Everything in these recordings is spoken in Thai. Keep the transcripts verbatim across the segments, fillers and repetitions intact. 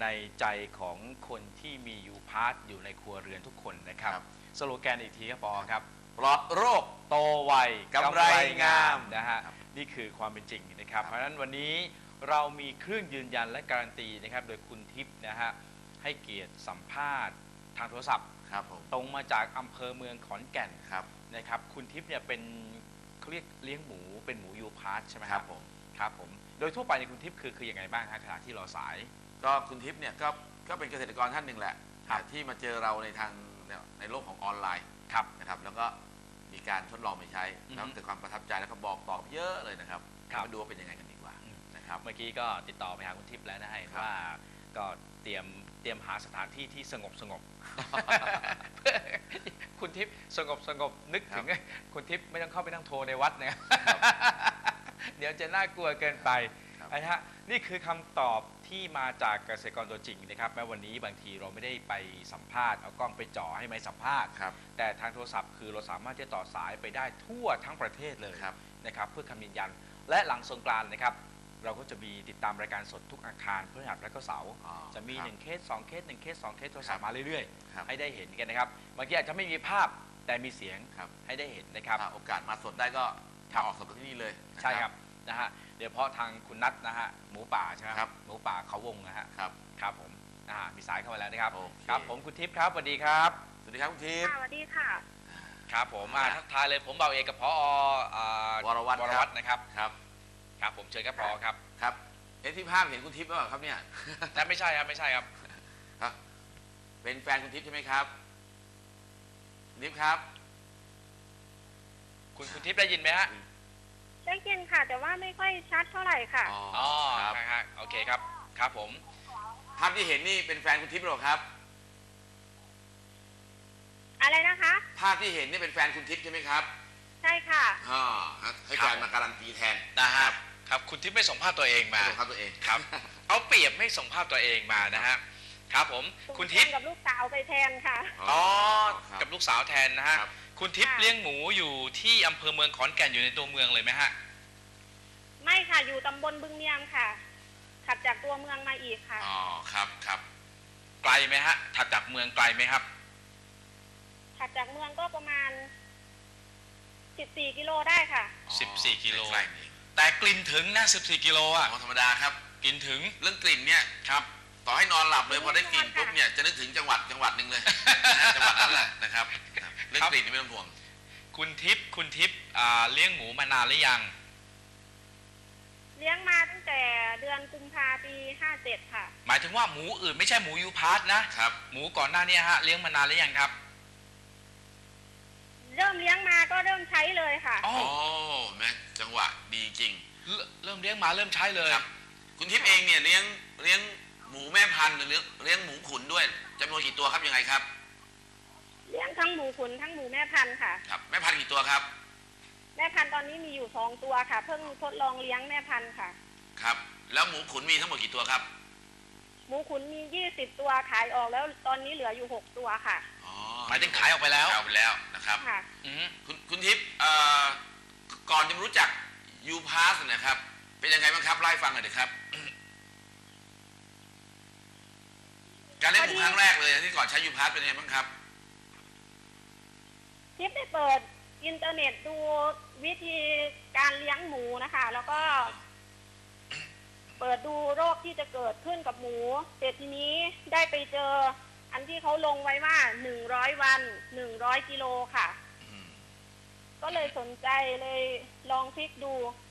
ในใจของคนที่มียูพาร์ทอยู่ในครัวเรือนทุกคนนะครับสโลแกนอีกทีครับปอครับปลอดโรคโตไวกำไรงามนะฮะนี่คือความเป็นจริงนะครับเพราะฉะนั้นวันนี้เรามีเครื่องยืนยันและการันตีนะครับโดยคุณทิพย์นะฮะให้เกียรติสัมภาษณ์ทางโทรศัพท์ตรงมาจากอำเภอเมืองขอนแก่นนะครับคุณทิพย์เนี่ยเป็นเขาเรียกเลี้ยงหมูเป็นหมูยูพาร์ทใช่ไหมครับผมครับผมโดยทั่วไปในคุณทิพย์คือคือยังไงบ้างฮะขณะที่รอสายก็คุณทิพย์เนี่ยก็ก็เป็นเกษตรกรท่านหนึ่งแหละที่มาเจอเราในทางในโลกของออนไลน์นะครับแล้วก็มีการทดลองไปใช้แล้วเกิดความประทับใจแล้วก็บอกต่อเยอะเลยนะครับมาดูว่าเป็นยังไงกันดีกว่านะครับเมื่อกี้ก็ติดต่อไปหาคุณทิพย์แล้วนะฮะว่าก็เตรียมเตรียมหาสถานที่ที่สงบสงบคุณทิพย์สงบสงบนึกถึงคุณทิพย์ไม่ต้องเข้าไปนั่งโทรในวัดนะเดี๋ยวจะน่ากลัวเกินไปนะฮะนี่คือคำตอบที่มาจากเกษตรกรตัวจริงนะครับแม้วันนี้บางทีเราไม่ได้ไปสัมภาษณ์เอากล้องไปจ่อให้ไม่สัมภาษณ์แต่ทางโทรศัพท์คือเราสามารถจะต่อสายไปได้ทั่วทั้งประเทศเลยนะครับเพื่อคำยืนยันและหลังสงกรานต์นะครับเราก็จะมีติดตามรายการสดทุกอาคารพฤหัสและก็เสาร์จะมีหนึ่งเคสสองเคสหนึ่งเคสสองเคสโทรศัพท์มาเรื่อยๆให้ได้เห็นกันนะครับบางทีอาจจะไม่มีภาพแต่มีเสียงให้ได้เห็นนะครับโอกาสมาสดได้ก็ออกสดที่นี่เลยใช่ครับนะฮะเดี๋ยวเพราะทางคุณนัทนะฮะหมูป่าใช่ไหมครับหมูป่าเขาวงนะฮะครับครับผมอ่ามีสายเข้ามาแล้วนะครับครับผมคุณทิพย์ครับสวัสดีครับสวัสดีครับคุณทิพย์สวัสดีค่ะครับผมมาทักทายเลยผมเบาเอกกับพอวรวัฒน์วรวัฒน์นะครับครับครับผมเชิญครับพอครับครับเอ๊ะที่ภาพเห็นคุณทิพย์หรือเปล่าครับเนี่ยแต่ไม่ใช่ครับไม่ใช่ครับครับเป็นแฟนคุณทิพย์ใช่ไหมครับทิพย์ครับคุณคุณทิพย์ได้ยินไหมฮะได้ยินค่ะแต่ว่าไม่ค่อยชัดเท่าไหร่ค่ะอ๋อครับโอเคครับครับผมภาพที่เห็นนี่เป็นแฟนคุณทิพย์หรอครับอะไรนะคะภาพที่เห็นนี่เป็นแฟนคุณทิพย์ใช่ไหมครับใช่ค่ะอ๋อให้แฟนมาการันตีแทนนะครับครับคุณทิพย์ไม่ส่งภาพตัวเองมาส่งภาพตัวเองครับเอาเปรียบไม่ส่งภาพตัวเองมานะฮะครับผมคุณทิพย์กับลูกสาวไปแทนค่ะอ๋อกับลูกสาวแทนนะฮะคุณทิพย์เลี้ยงหมูอยู่ที่อำเภอเมืองขอนแก่นอยู่ในตัวเมืองเลยไหมฮะไม่ค่ะอยู่ตำบลบึงเนียมค่ะถัดจากตัวเมืองมาอีกค่ะอ๋อครับครับไกลไหมฮะถัดจากเมืองไกลไหมครับถัดจากเมืองก็ประมาณสิบสี่กิโลได้ค่ะสิบสี่กิโลแต่กลิ่นถึงนะสิบสี่กิโลอ่ะธรรมดาครับกลิ่นถึงเรื่องกลิ่นเนี่ยครับต่อให้นอนหลับเลยพอได้กลิ่นปุ๊บเนี่ยจะนึกถึงจังหวัดจังหวัดหนึ่งเลยจังหวัดนั้นแหละนะครับเรื่องกลิ่นนี่ไม่ต้องห่วงคุณทิพย์คุณทิพย์เลี้ยงหมูมานานหรือยังเลี้ยงมาตั้งแต่เดือนกุมภาปีห้าเจ็ดค่ะหมายถึงว่าหมูอื่นไม่ใช่หมูยูพาร์ทนะครับหมูก่อนหน้านี้ฮะเลี้ยงมานานหรือยังครับเริ่มเลี้ยงมาก็เริ่มใช้เลยค่ะโอ้แม่จังหวะดีจริงเริ่มเลี้ยงมาเริ่มใช้เลยครับคุณทิพย์เองเนี่ยเลี้ยงเลี้ยงหมูแม่พันธุ์หรือเลี้ยงหมูขุนด้วยจำนวนกี่ตัวครับยังไงครับเลี้ยงทั้งหมูขุนทั้งหมูแม่พันธุ์ค่ะครับแม่พันธุ์กี่ตัวครับแม่พันธุ์ตอนนี้มีอยู่สองตัวค่ะเพิ่งทดลองเลี้ยงแม่พันธุ์ค่ะครับแล้วหมูขุนมีทั้งหมดกี่ตัวครับหมูขุนมียี่สิบตัวขายออกแล้วตอนนี้เหลืออยู่หกตัวค่ะอ๋อหมายถึงขายออกไปแล้วขายออกไปแล้วนะครับค่ะคุณคุณทิพย์ก่อนจะรู้จักยูพาสนะครับเป็นยังไงบ้างครับไล่ฟังหน่อยเถอะครับการเลี้ยงหมูครั้งแรกเลยที่ก่อนใช้ยูพาสเป็นยังไงบ้างครับทิพย์ได้เปิดอินเทอร์เน็ตดูวิธีการเลี้ยงหมูนะคะแล้วก็เปิดดูโรคที่จะเกิดขึ้นกับหมูเสร็จทีนี้ได้ไปเจออันที่เขาลงไว้ว่าหนึ่งร้อยวันหนึ่งร้อยกิโลค่ะก็เลยสนใจเลยลองคลิกดู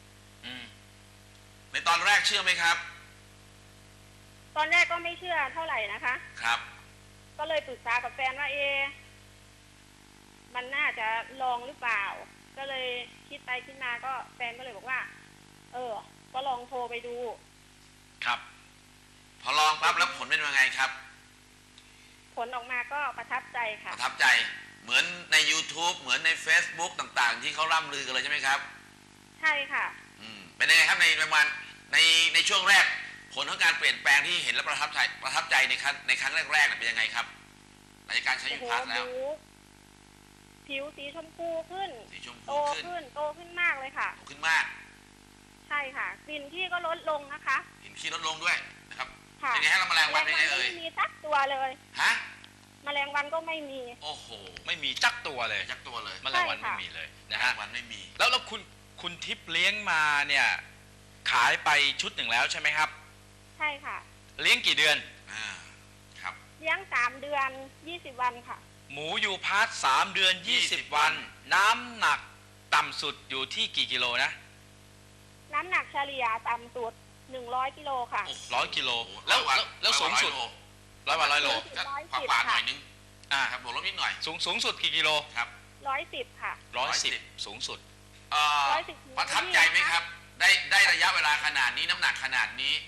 ในตอนแรกเชื่อไหมครับตอนแรกก็ไม่เชื่อเท่าไหร่นะคะครับก็เลยปรึกษากับแฟนว่าเอมันน่าจะลองหรือเปล่าก็เลยคิดไปคิดมาก็แฟนก็เลยบอกว่าเออก็ลองโทรไปดูครับพอลองปั๊บแล้วผลเป็นยังไงครับผลออกมาก็ประทับใจค่ะประทับใจเหมือนใน YouTube เหมือนใน Facebook ต่างๆที่เขาล่ำลือกันเลยใช่ไหมครับใช่ค่ะอืมเป็นยังไงครับในประมาณในในช่วงแรกผลของการเปลี่ยนแปลงที่เห็นแล้วประทับใจประทับใจในครั้งในครั้งแรกๆเป็นยังไงครับหลังจากการใช้ยูพาสแล้วผิวสีชมพูขึ้นสีชมพูโตขึ้นโตขึ้นมากเลยค่ะโตขึ้นมากใช่ค่ะกลิ่นขี้ก็ลดลงนะคะกลิ่นขี้ลดลงด้วยนะครับค่ะเป็นไงฮะแล้วแมลงวันเป็นไงเอ่ยไม่มีสักตัวเลยฮะแมลงวันก็ไม่มีโอ้โหไม่มีจักตัวเลยจักตัวเลยแมลงวันใช่ค่ะไม่มีเลยแมนะลฮะงวันไม่มีแล้วแล้วคุณคุณทิพย์เลี้ยงมาเนี่ยขายไปชุดหนึ่งแล้วใช่ไหมครับใช่ค่ะเลี้ยงกี่เดือนอ่า ครับเลี้ยงสามเดือนยี่สิบวันค่ะหมูยูพาร์ทสามเดือนยี่สิบ 20 วัน น้ำหนักต่ำสุดอยู่ที่กี่กิโลนะน้ำหนักเฉลี่ยต่ำสุดหนึ่งร้อยกิโลค่ะโอ้โหร้อยกิโลร้แล้อวยวันแล้วแล้วสูงสุดร้อยวันร้อยวันร้อยโลก็ร้อยขวาสิบขวาหน่ค่ะอยนึงอ่าครับบวกลบนิดหน่อยสูงสูงสุดกี่กิโลครับร้อยสิบค่ะร้อยสิบร้อยสิบสูงสุดเอ่อร้อยสิบประทับใจไหมครับ ได้ได้ระยะเวลาขนาดนี้น้ำหนักขนาดนี้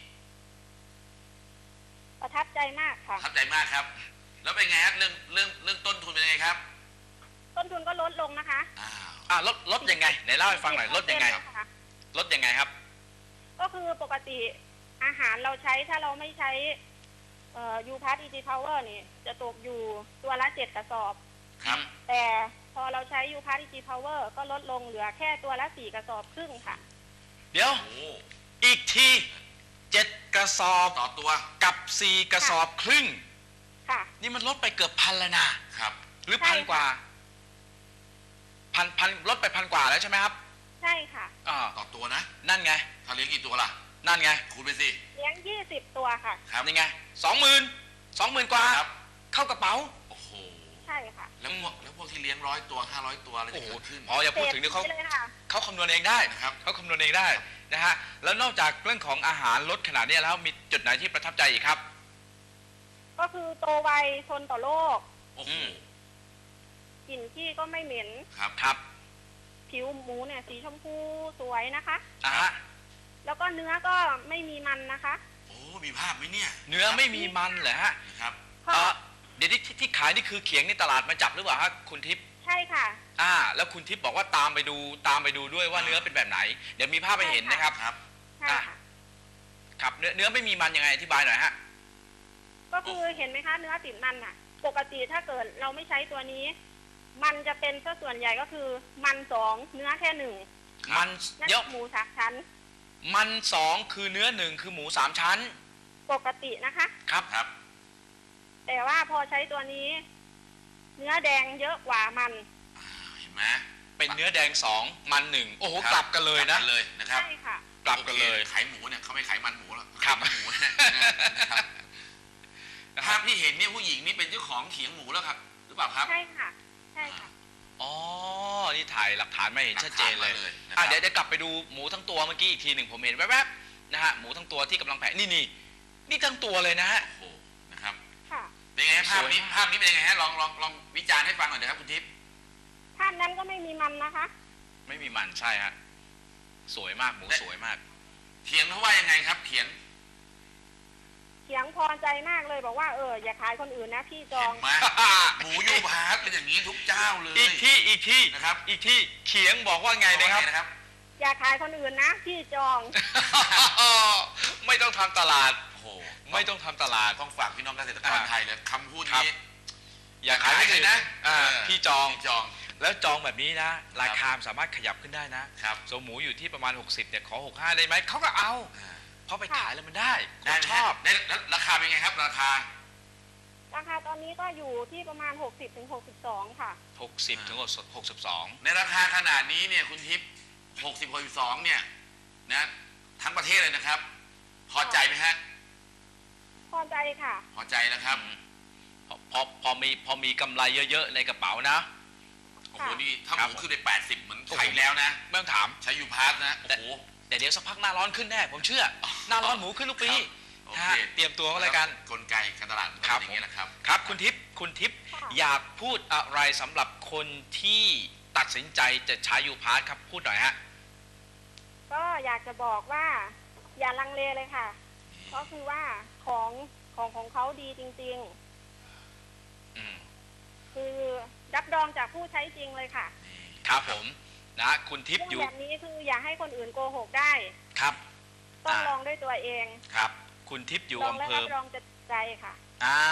ประทับใจมากปค่ะระทับใจมากครับ แล้วเป็นไงครับเรื่องเรื่องเรื่องต้นทุนเป็นยังไงครับต้นทุนก็ลดลงนะคะอ้าวอ่าลดลดยังไงไหนเล่าให้ฟังหน่อยลดยังไงสิบเปอร์เซ็นต์ค่ะลดยังไงครับก็คือปกติอาหารเราใช้ถ้าเราไม่ใช้ยูพาร์ตอีจีพาวเวอร์นี่จะตกอยู่ตัวละเจ็ดกระสอบครับแต่พอเราใช้ยูพาร์ตอีจีพาวเวอร์ก็ลดลงเหลือแค่ตัวละสี่กระสอบครึ่งค่ะเดี๋ยวโอ้อีกทีเจ็ดกระสอบต่อตัวกับสี่กระสอบครึ่งค่ะนี่มันลดไปเกือบพันแล้วนะครับ หรือใช่พันค่ะกว่าพันพันลดไปพันกว่าแล้วใช่ไหมครับใช่ค่ะอ่าต่อตัวนะนั่นไงถ้าเลี้ยงกี่ตัวล่ะนั่นไงคูณไปสิเลี้ยงยี่สิบตัวค่ะครับนี่ไงสองหมื่นสองหมื่นกว่าครับเข้ากระเป๋าโอ้โหใช่ค่ะแล้วพวกแล้วพวกที่เลี้ยงร้อยตัวห้าร้อยตัวอะไรโอ้จะโหเกิดขึ้นพออย่าพูดถึงเดี๋ยวเขาศษเลยค่ะเขาคำนวณเองได้นะครับเขาคำนวณเองได้นะฮะแล้วนอกจากเรื่องของอาหารลดขนาดนี้แล้วมีจุดไหนที่ประทับใจอีกครับก็คือโตไวทนต่อโรคโอ้โหอืมกลิ่นที่ก็ไม่เหม็นครับครับผิวหมูเนี่ยสีชมพูสวยนะคะอ่ะฮะแล้วก็เนื้อก็ไม่มีมันนะคะโอ้ มีภาพไหมเนี่ยเนื้อไม่มีมันเหรอฮะนะครับก็เอ่อเดี๋ยวที่ที่ขายนี่คือเขียงในตลาดมาจับหรือเปล่าฮะคุณทิพย์ใช่ค่ะอ่า แล้วคุณทิพย์บอกว่าตามไปดูตามไปดูด้วยว่าเนื้อเป็นแบบไหน เดี๋ยวมีภาพไปเห็นนะครับครับใช่ค่ะครับเนื้อเนื้อไม่มีมันยังไงอธิบายหน่อยฮะก็คือเห็นไหมคะเนื้อติดมันอ่ะ ปกติถ้าเกิดเราไม่ใช้ตัวนี้ มันจะเป็นซะส่วนใหญ่ก็คือมันสองเนื้อแค่หนึ่งมันนั่นเยอะหมูสามชั้นมันสองคือเนื้อหนึ่งคือหมูสามชั้นปกตินะคะครับครับแต่ว่าพอใช้ตัวนี้ เนื้อแดงเยอะกว่ามันอ่า เห็นไหมเป็นเนื้อแดงสองมันหนึ่งโอ้โหครับกลับกันเลยนะกบเลยนะครับใช่ค่ะกลับกันเลยโอคขายหมูเนี่ยเขาไม่ขายมันหมูแล้วครับขายมันหมูนะนะครับภาพที่เห็นเนี่ยผู้หญิงนี่เป็นเจ้าของเขียงหมูแล้วครับ หรือเปล่าครับใช่ค่ะ ใช่ค่ะอ๋อ นี่ถ่ายหลักฐานมาเห็นชัดเจนเลยหกฐามาเลยนะคอ่ะรับเดี๋ยวเดี๋ยวกลับไปดูหมูทั้งตัวเมื่อกี้อีกทีหนึ่งผมเห็นแวบๆนะฮะหมูทั้งตัวที่กำลังแผ่นี่นี่นี่ทั้งตัวเลยนะฮะโอ้โห นะครับค่ะเป็นไงฮะภาพนี้สวยมากภาพนี้เป็นยังไงฮะ ลองลองลองวิจารณ์ให้ฟังหน่อยนะครับคุณทิพย์ภาพนั้นก็ไม่มีมันนะคะไม่มีมันใช่ฮะสวยมากหมูสวยมากเถียงเขาว่ายังไงครับ เถียงเถียงพอใจมากเลยบอกว่าเอออย่าขายคนอื่นนะพี่จอเห็งนไหม หมูยูพาร์ทเป็นอย่างนี้ทุกเจ้าเลยอีกที่อีกที่นะครับอีกที่เขียงบอกว่าไงนะครับว่านะครับอย่าขายคนอื่นนะพี่จองไม่ต้องทำตลาดโอ้โหไม่ต้องทำตลาดต้องฝากพี่น้องเกษตรกรอ่าไทยเลยคำพูดครับนี้อย่าขายให้เลยนะอ่าเออพี่จองพี่จองแล้วจองแบบนี้นะ ราคาสามารถขยับขึ้นได้นะครับ สมหมูอยู่ที่ประมาณหกสิบเนี่ยขอหกสิบห้าได้ไหมเขาก็เอาอ่าเพราะไปขายแล้วมันได้คได้นไหมชอบได้แล้วราคาเป็นไงครับ ราคาราคาตอนนี้ก็อยู่ที่ประมาณหกสิบถึงหกสิบสองค่ะหกสิบถึงหกสิบสองในราคาขนาดนี้เนี่ยคุณทิพย์หกสิบหกสิบสองเนี่ยนะทั้งประเทศเลยนะครับ พอใจไหมฮะพอใจค่ะพอใจนะครับพอพอพอมีพอมีกำไรเยอะๆในกระเป๋านะโอ้โห นี่ถ้าคหรับมูขึ้นไปแปดสิบเหมือนไทยแล้วนะไม่ต้องถามใช้ยูพาร์ทนะ โอ้โหแต่เดี๋ยวสักพักหน้าร้อนขึ้นแน่ผมเชื่อ หน้าร้อนหมูขึ้นทุกปีครับโอเคฮะเตรียมตัวก็แล้วกันกลไกการตลาดมันก็ครับเป็นอย่างนี้ยนะครับครับคุณทิพย์คุณทิพย์ค่ะอยากพูดอะไรสำหรับคนที่ตัดสินใจจะใช้ยูพาร์ทครับพูดหน่อยฮะก็อยากจะบอกว่า อย่าลังเลเลยค่ะ ก็คือว่าของของของเขาดีจริงอืมๆ คือรับรองจากผู้ใช้จริงเลยค่ะครับผมนะคุณทิพเรื่ย์องอยู่แบบนี้คืออย่าให้คนอื่นโกหกได้ครับต้องอ่าลองด้วยตัวเองครับ คุณทิพย์อยู่ลองอำและเภรัอบรองจะใจค่ะอ่าลอง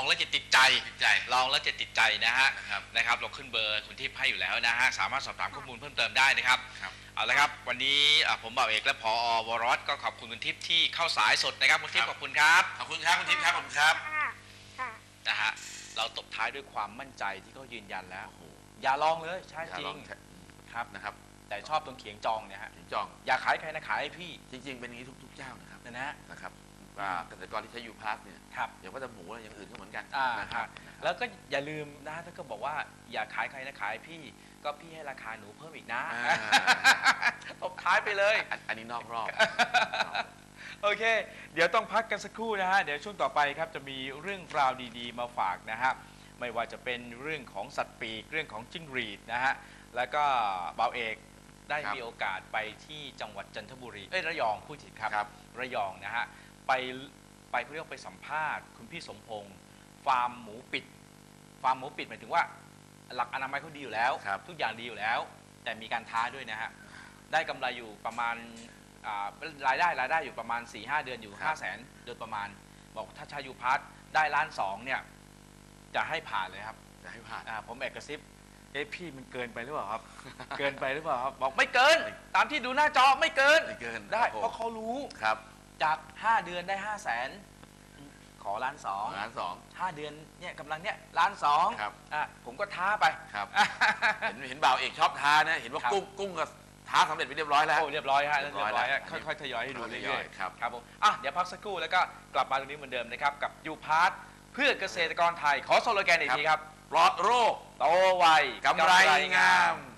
องแล้วจะติดใจติดใจลองแล้วจะติดใจนะฮะนะครับนะครับเราขึ้นเบอร์คุณทิพย์ให้อยู่แล้วนะฮะสามารถสอบถามข้อมูลเพิ่มเติมได้นะครับครับเอาละครับวันนี้อ่ะผมบ่าวเอกและผอวรสก็ขอบคุณคุณทิพย์ที่เข้าสายสดนะครับคุณทิพย์ขอบคุณครับขอบคุณครับคุณทิพย์ครับผมครับค่ะค่ะนะฮะเราตบท้ายด้วยความมั่นใจที่เขายืนยันแล้วอย่าลองเลยใช่จริงครับนะครับแต่ชอบตรงเขียงจองเนี่ยฮะถึงจองอย่าขายใครนะขายให้พี่จริง ๆ เป็นอย่างนี้ทุกๆเจ้านะครับนะนะนะครับว่าเกษตรกรที่ใช้ยูพาร์ทเนี่ยครับอย่างว่าแต่หมูอะไรอย่างอื่นก็เหมือนกันอ่านะคครัรับบ นะครับแล้วก็อย่าลืมนะถ้าก็บอกว่าอย่าขายใครนะขายพี่ ก็พี่ให้ราคาหนูเพิ่มอีกนะอ่าตบท้ายไปเลยอันอันนี้นอกรอบโอเค เดี๋ยวต้องพักกันสักครู่นะฮะ เดี๋ยวช่วงต่อไปครับจะมีเรื่องราวดีๆ มาฝากนะฮะ ไม่ว่าจะเป็นเรื่องของสัตว์ปีก เรื่องของจิ้งหรีดนะฮะ แล้วก็บ่าวเอกได้ครับมีโอกาสไปที่จังหวัดจันทบุรี เอ้ยระยองพูดผิดครับครับระยองนะฮะ ไปไปเขาเรียกว่าไปสัมภาษณ์คุณพี่สมพงษ์ฟาร์มหมูปิด ฟาร์มหมูปิดหมายถึงว่า หลักอนามัยเขาดีอยู่แล้วครับทุกอย่างดีอยู่แล้ว แต่มีการท้าด้วยนะฮะ ได้กำไรอยู่ประมาณอ่ารายได้รายได้อยู่ประมาณ สี่ห้า เดือนอยู่ครับห้าแสนโดยประมาณ บอกถ้าชายูพาร์ทได้ล้านสองเนี่ยจะให้ผ่านเลยครับจะให้ผ่านอ่าผมแอบกระซิบเอ๊ะพี่มันเกินไปหรือเปล่าครับ เกินไปหรือเปล่าครับบอกไม่เกิน ตามที่ดูหน้าจอไม่เกินไม่เกินได้โอ้เพราะเขารู้ครับจาก ห้า เดือนได้ ห้าแสนขอล้านสองล้านสองห้าเดือนเนี่ยกำลังเนี่ยล้านสองครับอ่ะผมก็ท้าไปครับ เห็นเห็นบ่าวเอกชอบท้านะเห็นว่าครับกุ้งกุ้งก็ท้าสำเร็จไปเรียบร้อยแล้วโอ้เรียบร้อยฮะเรีเรียยบบ ร้ร้ออย ยแล้วฮะค่อยๆทยอยให้ดูค่อยๆเรื่อยครับๆครับผมอ่ะเดี๋ยวพักสักครู่แล้วก็กลับมาตรงนี้เหมือนเดิมนะครับกับยูพาร์ทเพื่อเกษตรกรไทยขอสโลแกนอีกทีครับปลอดโรคโตไวกำไรงาม